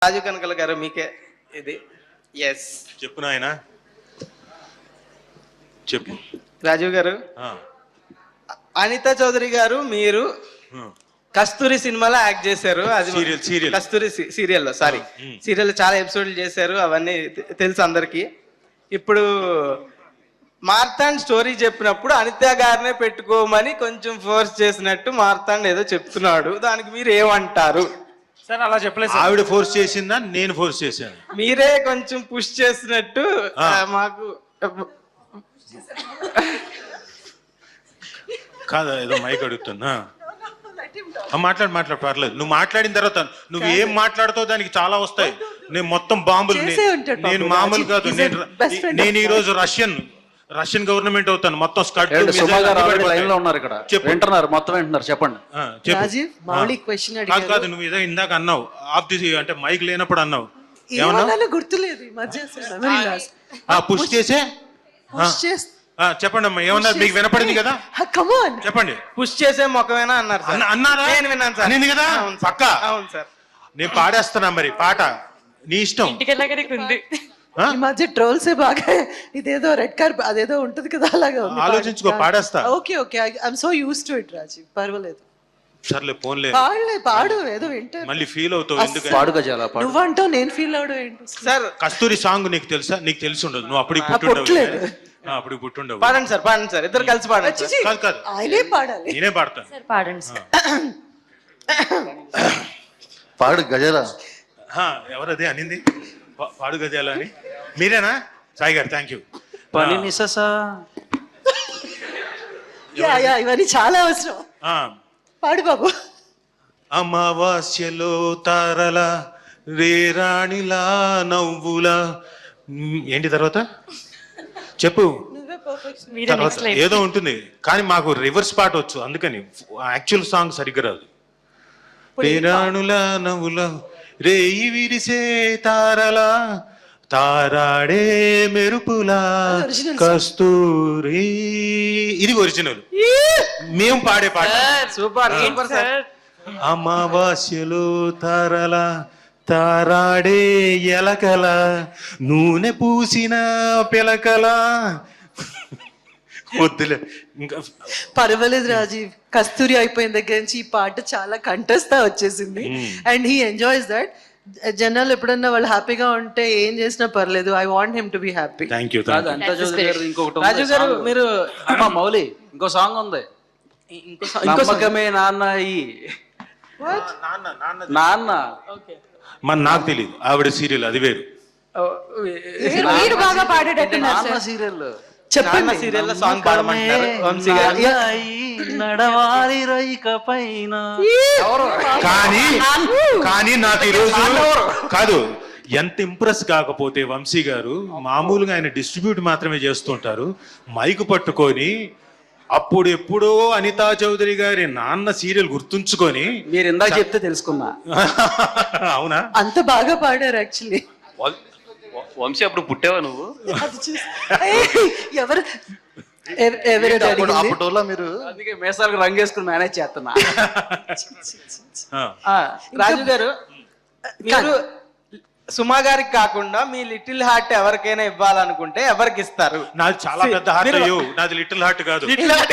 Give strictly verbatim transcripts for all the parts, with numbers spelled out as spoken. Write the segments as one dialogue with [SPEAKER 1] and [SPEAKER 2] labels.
[SPEAKER 1] రాజు కనకల గారు మీకే ఇది. ఎస్
[SPEAKER 2] చెప్పు నాయన చెప్పు.
[SPEAKER 1] రాజీవ్ గారు, అనిత చౌదరి గారు మీరు కస్తూరి సినిమాలో యాక్ట్ చేశారు. అది
[SPEAKER 2] సీరియల్ సీరియల్
[SPEAKER 1] కస్తూరి సీరియల్లో సారీ సీరియల్ చాలా ఎపిసోడ్లు చేశారు, అవన్నీ తెలుసు అందరికి. ఇప్పుడు మార్తాండ్ స్టోరీ చెప్పినప్పుడు అనిత గారినే పెట్టుకోమని కొంచెం ఫోర్స్ చేసినట్టు మార్తాండ్ ఏదో చెప్తున్నాడు, దానికి మీరు ఏమంటారు?
[SPEAKER 3] సార్ అలా చెప్పలేదు.
[SPEAKER 2] ఆవిడ ఫోర్స్ చేసిందా నేను ఫోర్స్ చేశాను?
[SPEAKER 1] మీరే కొంచెం పుష్ చేసినట్టు మాకు.
[SPEAKER 2] కాదా ఏదో మైక్ అడుగుతున్నా. మాట్లాడు మాట్లాడు పర్లేదు. నువ్వు మాట్లాడిన తర్వాత నువ్వు ఏం మాట్లాడుతావు దానికి చాలా వస్తాయి. నేను మొత్తం బాంబులు, నేను మామూలు కాదు. నేను నేను ఈ రోజు రష్యన్ రష్యన్ గవర్నమెంట్ అవుతాను. మొత్తం స్కట్
[SPEAKER 4] ఉన్నారు ఇక్కడ వింటున్నారు, మొత్తం వింటున్నారు. చెప్పండి.
[SPEAKER 2] కాదు కాదు నువ్వు ఏదో ఇందాక అన్నావు ఆఫ్ ది అంటే మైక్ లేనప్పుడు అన్నావు.
[SPEAKER 5] గుర్తులేదు.
[SPEAKER 2] పుష్ చేసే చెప్పండి అమ్మా, ఏమన్నారు? మీకు వినపడింది కదా, చెప్పండి.
[SPEAKER 1] పుష్ చేసే మొక్కమేనా అన్నారు సార్.
[SPEAKER 2] అన్నారా?
[SPEAKER 1] నేను విన్నాను సార్.
[SPEAKER 2] నేను కదా పక్క.
[SPEAKER 1] అవును సార్.
[SPEAKER 2] నేను పాడేస్తున్నా మరి పాట, నీ ఇష్టం.
[SPEAKER 5] ఈ మధ్య ట్రోల్స్ బాగా ఇదేదో రెడ్ కార్ అదేదో ఉంటది కదా, అలాగా
[SPEAKER 2] ఆలోచించుకో, పాడేస్తా.
[SPEAKER 5] Okay okay I'm so used to it Rajeev, పర్వాలేదు.
[SPEAKER 2] సర్లే పోన్లే,
[SPEAKER 5] పాడలే పాడు, ఏదో వింటే
[SPEAKER 2] మళ్ళీ ఫీల్ అవుతావు. ఎందుకు
[SPEAKER 4] పాడుగా చాలా పాడు.
[SPEAKER 5] నువ్వంటావు నేను ఫీల్ అవడం ఏంటి
[SPEAKER 1] సార్?
[SPEAKER 2] కస్తూరి సాంగ్ నీకు తెలుసా? నీకు తెలిసి ఉండదు, నువ్వు అప్పుడు పుట్టుండవు. అప్పుడు పుట్టుండవు.
[SPEAKER 1] పాడండి సార్, పాడండి సార్, ఇద్దరు కలిసి పాడండి.
[SPEAKER 2] కాదు కాదు
[SPEAKER 5] ఆయనే పాడాలి,
[SPEAKER 2] నేనే పాడతాను.
[SPEAKER 6] పాడండి సార్.
[SPEAKER 4] పాడు గజరా.
[SPEAKER 2] ఎవరదే అనింది పాడు గజాల అని? మీరేనా? సాయి గారు థ్యాంక్ యూ.
[SPEAKER 4] పని నిససా
[SPEAKER 5] ఇవన్నీ చాలా అవసరం. పాడు బాబు.
[SPEAKER 2] అమావాస్యలో తారల రేరాణిలా నవ్వులా ఏంటి తర్వాత చెప్పు. తర్వాత ఏదో ఉంటుంది కానీ మాకు రివర్స్ పాట వచ్చు, అందుకని యాక్చువల్ సాంగ్ సరిగ్గా రాదు. రేరాణుల నవ్వుల రేయి విరిసే తారలా తారాడే మెరుపులా కస్తూరి. ఇది ఒరిజినల్, మేము పాడే పాట.
[SPEAKER 1] Super super sir.
[SPEAKER 2] అమావాస్యలో తారల తారాడే ఎలకల నూనె పూసిన పిలకల. వద్దులే ఇంకా.
[SPEAKER 5] పర్వాలేదు రాజీవ్, కస్తూరి అయిపోయిన దగ్గర నుంచి ఈ పాట చాలా కంటెస్తా వచ్చేసింది అండ్ హీ ఎంజాయ్స్ దట్. జనాలు ఎప్పుడన్నా వాళ్ళు హ్యాపీగా ఉంటే ఏం చేసినా పర్లేదు. I want him to be happy.
[SPEAKER 2] Thank you.
[SPEAKER 4] ఇంకొకటి
[SPEAKER 1] రాజు గారు మీరు
[SPEAKER 4] అమ్మా మౌలి ఇంకో సాంగ్ ఉంది, నమ్మకమే నాన్న ఈ నాన్న.
[SPEAKER 2] మన నాకు తెలియదు, ఆవిడ సీరియల్ అది వేరు.
[SPEAKER 6] మీరు బాగా పాడేటట్టున్నారు
[SPEAKER 4] సీరియల్
[SPEAKER 1] చెప్పండి. సీరియల్ సాంగ్ పాడమంటారు వంశీ గారు.
[SPEAKER 4] నడవాలి రైక పైన.
[SPEAKER 2] కానీ కానీ నాకు ఈరోజు కాదు, ఎంత ఇంప్రెస్ కాకపోతే వంశీ గారు మామూలుగా ఆయన డిస్ట్రిబ్యూట్ మాత్రమే చేస్తుంటారు. మైకు పట్టుకొని అప్పుడు ఎప్పుడో అనితా చౌదరి గారి నాన్న సీరియల్ గుర్తుంచుకొని
[SPEAKER 4] మీరు ఇందాక చెప్తే తెలుసుకున్నా.
[SPEAKER 2] అవునా?
[SPEAKER 5] అంత బాగా పాడారు యాక్చువల్లీ.
[SPEAKER 7] వంశీ అప్పుడు పుట్టేవా నువ్వు?
[SPEAKER 5] ఎవరు ఎవరు
[SPEAKER 4] మీరు అందుకే మేసాలకు రంగేసుకుని మేనేజ్ చేస్తున్నా.
[SPEAKER 1] రాజు గారు మీరు సుమా గారికి కాకుండా మీ లిటిల్ హార్ట్ ఎవరికైనా ఇవ్వాలనుకుంటే ఎవరికి ఇస్తారు?
[SPEAKER 2] నాది చాలా పెద్ద హార్ట్. అయ్యో నాది లిటిల్ హార్ట్ కాదు.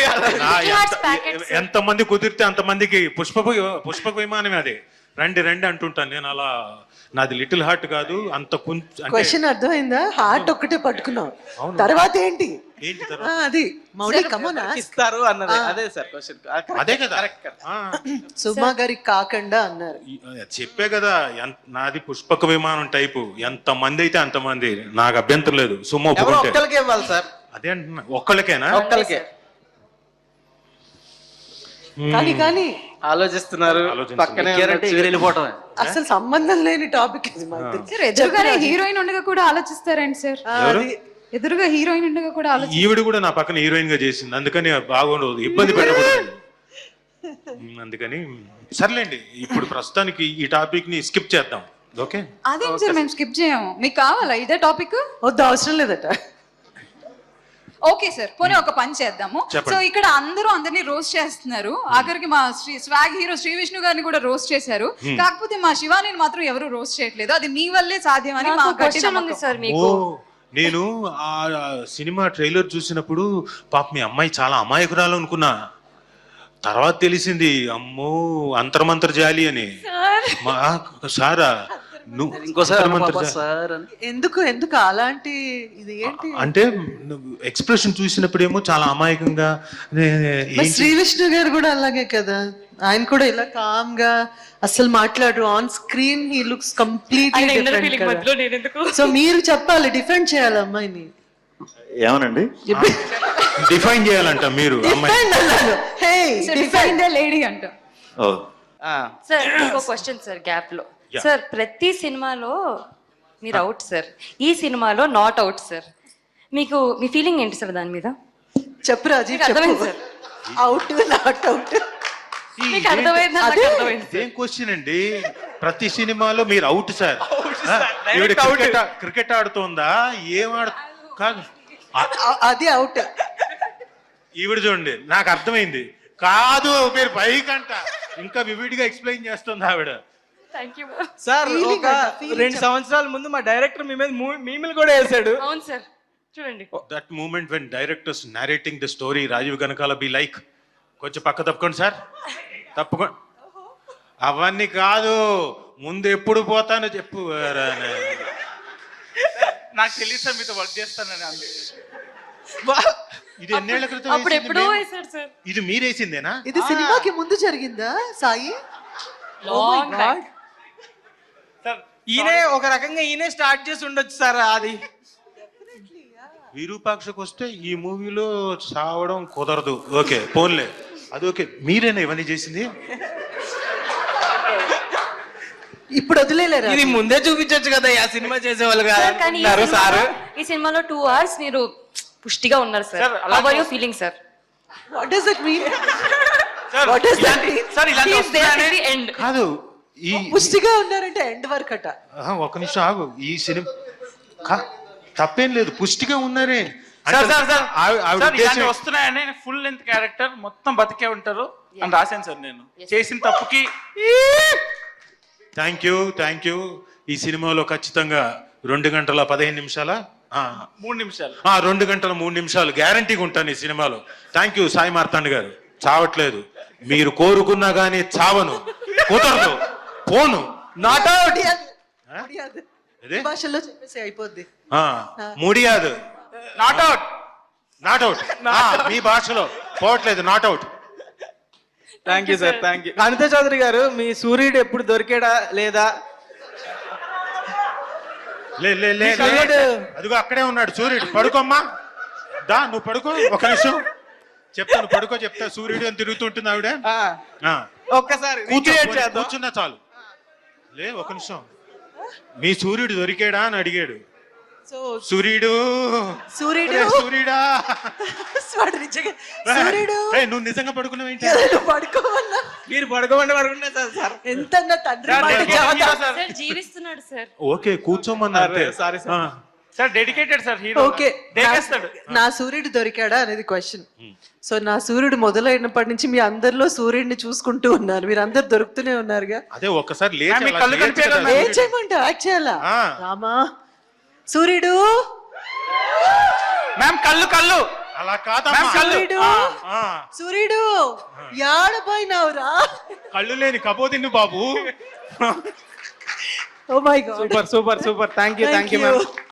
[SPEAKER 2] ఎంత మంది కుదిరితే అంత మందికి పుష్ప పుష్పక విమానమే అది. రండి రండి అంటుంటాను నేను. అలా నాది లిటిల్ హార్ట్ కాదు. అంత
[SPEAKER 5] క్వశ్చన్ అర్థమైందా? హార్ట్ ఒక్కటే పట్టుకున్నావు, తర్వాత ఏంటి
[SPEAKER 2] ఏంటి
[SPEAKER 5] అది మౌలి కమోనా
[SPEAKER 1] ఇస్తారు అన్నది. అదే సార్ క్వశ్చన్.
[SPEAKER 2] అదే కదా
[SPEAKER 5] సుమా గారికి కాకుండా అన్నారు.
[SPEAKER 2] చెప్పే కదా, నాది పుష్పక విమానం టైపు. ఎంత మంది అయితే అంత మంది, నాకు అభ్యంతరం లేదు. సుమ
[SPEAKER 1] ఒక్కరికే ఇవ్వాలి సార్.
[SPEAKER 2] అదే అంటున్నా, ఒక్కళ్ళకేనా?
[SPEAKER 1] ఒక్కరికే.
[SPEAKER 5] కానీ కానీ
[SPEAKER 1] ఆలోచిస్తున్నారు పక్కనే
[SPEAKER 4] వెళ్ళిపోవటమే.
[SPEAKER 5] అసలు సంబంధం లేని టాపిక్ ఇది.
[SPEAKER 6] ఎదురుగానే హీరోయిన్ ఉండగా కూడా ఆలోచిస్తారండి సార్. ఎదురుగా హీరోయిన్ ఉండగా కూడా ఆలోచి.
[SPEAKER 2] ఈవిడ కూడా నా పక్కన హీరోయిన్ గా చేసింది, అందుకని బాగుండదు, ఇబ్బంది పెట్టకూడదు. అందుకని సర్లేండి, ఇప్పుడు ప్రస్తుతానికి ఈ టాపిక్ ని స్కిప్ చేద్దాం. ఓకే?
[SPEAKER 6] అదేం సార్ మేము స్కిప్ చేయము, మీకు కావాలా ఇదే టాపిక్?
[SPEAKER 5] వద్దు, అవసరం లేదట.
[SPEAKER 6] ఓకే సార్, పోనీ ఒక పని చేద్దాము.
[SPEAKER 2] చెప్పండి.
[SPEAKER 6] సో ఇక్కడ అందరూ అందరినీ రోస్ట్ చేస్తున్నారు, ఆఖరికి మా శ్రీ స్వాగ్ హీరో శ్రీ విష్ణు గారిని కూడా రోస్ట్ చేశారు. కాకపోతే మా శివానిని మాత్రం ఎవరు రోస్ట్ చేయట్లేదు. అది మీ వల్లే సాధ్యమని మా గట్టి
[SPEAKER 3] క్వశ్చన్ ఉంది
[SPEAKER 6] నమ్మకం.
[SPEAKER 3] సార్
[SPEAKER 2] ఓ
[SPEAKER 3] మీకు.
[SPEAKER 2] నేను ఆ సినిమా ట్రైలర్ చూసినప్పుడు పాప మీ అమ్మాయి చాలా అమాయకురాలు అనుకున్నా. తర్వాత తెలిసింది అమ్మో అంతర్మంతర్ జాలి అని. మా సారా నువ్వు
[SPEAKER 4] ఇంకోసారి అను
[SPEAKER 2] అంతర్మంతర్
[SPEAKER 4] పాపా
[SPEAKER 2] జాలి.
[SPEAKER 4] సార్ అని.
[SPEAKER 5] ఎందుకు ఎందుకు అలాంటి ఇది ఏంటి?
[SPEAKER 2] అంటే ఎక్స్ప్రెషన్ చూసినప్పుడేమో చాలా అమాయకంగా నే-
[SPEAKER 5] మరి
[SPEAKER 2] ఏంటి?
[SPEAKER 5] శ్రీ విష్ణు గారు కూడా అలాగే కదా, ఆయన కూడా ఇలా కామ్ గా అసలు మాట్లాడరు. On screen he looks completely
[SPEAKER 3] ఆయన inner feeling
[SPEAKER 5] డిఫరెంట్
[SPEAKER 3] మధ్యలో నేను ఎందుకు?
[SPEAKER 5] సో మీరు చెప్పాలి, డిఫెండ్ చేయాలి అమ్మాయిని.
[SPEAKER 8] ఏమనండి?
[SPEAKER 2] డిఫైన్ చేయాలంట మీరు అమ్మాయి.
[SPEAKER 5] డిఫెండ్ అన్నారు. Hey
[SPEAKER 6] So,
[SPEAKER 5] defend.
[SPEAKER 6] define the lady అంట.
[SPEAKER 8] ఓ
[SPEAKER 1] ఆ,
[SPEAKER 3] సార్ ఇంకో క్వశ్చన్ సార్ గ్యాప్ లో.
[SPEAKER 2] Yeah.
[SPEAKER 3] సార్ ప్రతి సినిమాలో మీరు అవుట్ సార్, ఈ సినిమాలో నాట్ అవుట్ సార్. మీకు మీ ఫీలింగ్ ఏంటి సార్ దాని మీద?
[SPEAKER 5] చెప్పు రాజీవ్,
[SPEAKER 3] మీకు అర్థమైంది
[SPEAKER 5] చెప్పు.
[SPEAKER 3] సార్?
[SPEAKER 5] Out not out.
[SPEAKER 2] ఈ
[SPEAKER 3] మీకు అర్థమైందా? నాకు అర్థమైంది.
[SPEAKER 2] ఇదేం క్వశ్చన్ అండి? ప్రతి సినిమాలో మీరు అవుట్ సార్.
[SPEAKER 1] sir.
[SPEAKER 2] ఈవిడ
[SPEAKER 1] Direct out.
[SPEAKER 2] క్రికెట్ ఆ- క్రికెట్ ఆడుతోందా? ఏం ఆడు కాదు ఆ-
[SPEAKER 5] అది అవుట్.
[SPEAKER 2] ఈవిడ చూడండి, నాకు అర్థమైంది. కాదు మీరు పైకంట ఇంకా వివిడిగా ఎక్స్ప్లెయిన్ చేస్తుంది ఆవిడ.
[SPEAKER 3] Thank you.
[SPEAKER 1] సార్
[SPEAKER 5] Feeling
[SPEAKER 1] ఒక
[SPEAKER 5] అంట, feeling
[SPEAKER 1] రెండు సంవత్సరాల ముందు మా డైరెక్టర్ మీ మీద మూ- మీములు కూడా వేసాడు.
[SPEAKER 3] అవును సార్, చూడండి.
[SPEAKER 2] That moment when director's narrating the story Rajeev Kanakala be like కొంచెం పక్క తప్పుకోండి సార్, తప్పుకోండి. అవన్నీ కాదు, ముందు ఎప్పుడు పోతానో చెప్పు.
[SPEAKER 9] నాకు తెలియదు సార్ మీతో వర్క్ చేస్తానని అందుకే.
[SPEAKER 2] ఇది ఎన్నేళ్ల క్రితం
[SPEAKER 3] అప్పుడు
[SPEAKER 2] వేసింది
[SPEAKER 3] ఎప్పుడో
[SPEAKER 2] మేము?
[SPEAKER 3] వేశారు సార్.
[SPEAKER 2] ఇది మీరేసిందేనా?
[SPEAKER 5] ఇది సినిమాకి ముందు జరిగిందా సాయి?
[SPEAKER 3] Long back.
[SPEAKER 9] సార్
[SPEAKER 1] ఈయనే ఒక రకంగా ఈయనే స్టార్ట్ చేసి ఉండొచ్చు సార్ అది.
[SPEAKER 2] విరూపాక్షకు వస్తే ఈ మూవీలో సావడం కుదరదు. ఓకే పోన్లే, అది ఓకే. మీరేనా ఇవన్నీ చేసింది?
[SPEAKER 5] ఇప్పుడు వదిలేలేరా?
[SPEAKER 1] ఇది ముందే చూపించొచ్చు కదా, ఆ సినిమా చేసేవాళ్ళు
[SPEAKER 3] సార్ కానీ ఈ
[SPEAKER 1] కాదు సార్.
[SPEAKER 3] సినిమాలో- ఈ సినిమాలో టూ అవర్స్ మీరు పుష్టిగా ఉన్నారు సార్.
[SPEAKER 9] సార్, అలా-
[SPEAKER 3] how are you feeling sir?
[SPEAKER 5] What does it mean?
[SPEAKER 9] Sir
[SPEAKER 5] What does that
[SPEAKER 9] ఇలాంటి-
[SPEAKER 5] mean?
[SPEAKER 9] సార్ ఇలాంటి
[SPEAKER 3] He is there
[SPEAKER 9] వస్తున్నాయని-
[SPEAKER 3] till the end.
[SPEAKER 2] కాదు ఈ
[SPEAKER 5] పుష్టిగా ఉన్నారంటే ఎండ్ వరకు అట.
[SPEAKER 2] ఆహా, ఒక్క నిమిషం ఆగు. ఈ సినిమా కా- తప్పేం లేదు, పుష్టిగా ఉన్నారే.
[SPEAKER 9] సార్ సార్ సార్
[SPEAKER 2] ఆవి- ఆవిడ
[SPEAKER 9] సార్ ఇలాంటి
[SPEAKER 2] ఉద్దేశం-
[SPEAKER 9] వస్తున్నాయని ఫుల్ లెంత్ క్యారెక్టర్ మొత్తం బతికే ఉంటారు అని రాశాను సార్ నేను. చేసిన తప్పుకి
[SPEAKER 2] థ్యాంక్ యూ థ్యాంక్ యూ. ఈ సినిమాలో ఖచ్చితంగా రెండు గంటల పదిహేను నిమిషాల ఆ,
[SPEAKER 9] మూడు నిమిషాలు
[SPEAKER 2] ఆ, రెండు గంటల మూడు నిమిషాలు గ్యారంటీగా ఉంటాను ఈ సినిమాలో. థ్యాంక్ యూ సాయి మార్తాండ్ గారు. చావట్లేదు, మీరు కోరుకున్నా గానీ చావను, కుదరదు, పోను.
[SPEAKER 1] Not out.
[SPEAKER 2] ఇదే
[SPEAKER 5] భాషలో చెప్పేసి అయిపోద్ది.
[SPEAKER 2] ముడియాదు,
[SPEAKER 9] నాట్ అవుట్.
[SPEAKER 2] Not out. మీ భాషలో పోవట్లేదు, not out.
[SPEAKER 1] Thank you sir, thank you. Anitha Chowdary గారు, మీ సూర్యుడు ఎప్పుడు దొరికాడా లేదా?
[SPEAKER 2] లే లే లే
[SPEAKER 1] మీ కళ్ళోడు.
[SPEAKER 2] అదిగో అక్కడే ఉన్నాడు సూర్యుడు. పడుకోమ్మా, దా నువ్వు పడుకో. ఒక నిమిషం చెప్తాను, పడుకో చెప్తా. సూర్యుడు అని తిరుగుతుంటుంది ఆవిడ.
[SPEAKER 1] ఆ,
[SPEAKER 2] ఆ,
[SPEAKER 1] ఒక్కసారి
[SPEAKER 2] కూర్చో,
[SPEAKER 1] recreate చేద్దాం.
[SPEAKER 2] కూర్చున్నా చాలు. లే ఒక నిమిషం, మీ సూర్యుడు దొరికాడా అని అడిగాడు.
[SPEAKER 5] సో
[SPEAKER 2] సూర్యుడు
[SPEAKER 5] సూర్యుడు
[SPEAKER 2] ఒరే సూర్యుడా,
[SPEAKER 5] వాడు నిజంగా సూర్యుడు
[SPEAKER 2] ఏయ్, నువ్వు నిజంగా పడుకున్నావేంటి?
[SPEAKER 5] ఏదైనా పడుకోమన్నా
[SPEAKER 1] మీరు పడుకోమంటే పడుకుంటే సార్ సార్
[SPEAKER 5] ఎంత నా తండ్రి
[SPEAKER 9] సార్,
[SPEAKER 5] మాట
[SPEAKER 9] dedicated
[SPEAKER 5] చెబుతా.
[SPEAKER 9] hero sir.
[SPEAKER 3] సార్ జీవిస్తున్నాడు సార్.
[SPEAKER 2] ఓకే కూర్చోమన్నా అంతే.
[SPEAKER 1] Sorry sir.
[SPEAKER 2] ఆ,
[SPEAKER 9] sir dedicated sir hero.
[SPEAKER 5] Okay
[SPEAKER 9] దేకేస్తాడు.
[SPEAKER 5] నా సూర్యుడు దొరికాడా అనేది క్వశ్చన్. సో నా సూర్యుడు మొదలైనప్పటి నుంచి మీ అందరిలో సూర్యుడిని చూసుకుంటూ ఉన్నారు, మీరు అందరు దొరుకుతూనే ఉన్నారుగా.
[SPEAKER 2] అదే ఒక్కసారి లేచి
[SPEAKER 9] మ్యామ్, మీ
[SPEAKER 2] అలా
[SPEAKER 9] కళ్ళు
[SPEAKER 2] చేయొచ్చు
[SPEAKER 9] కనిపించదా
[SPEAKER 2] కదా
[SPEAKER 5] ఏం
[SPEAKER 2] సూర్యుడు.
[SPEAKER 5] చేయమంటావు? యాక్ట్ చేయాలా?
[SPEAKER 2] ఆ.
[SPEAKER 5] రామా సూర్యుడు,
[SPEAKER 9] మ్యామ్ కళ్ళు కళ్ళు
[SPEAKER 2] అలా కాదమ్మా.
[SPEAKER 9] మ్యామ్, కళ్ళు.
[SPEAKER 5] సూర్యుడు,
[SPEAKER 2] ఆ,
[SPEAKER 5] సూర్యుడు యాడపోయినావురా?
[SPEAKER 2] కళ్ళు లేని కబోదిన్ను బాబు.
[SPEAKER 5] Oh my God,
[SPEAKER 1] super super super. Thank you thank you ma'am.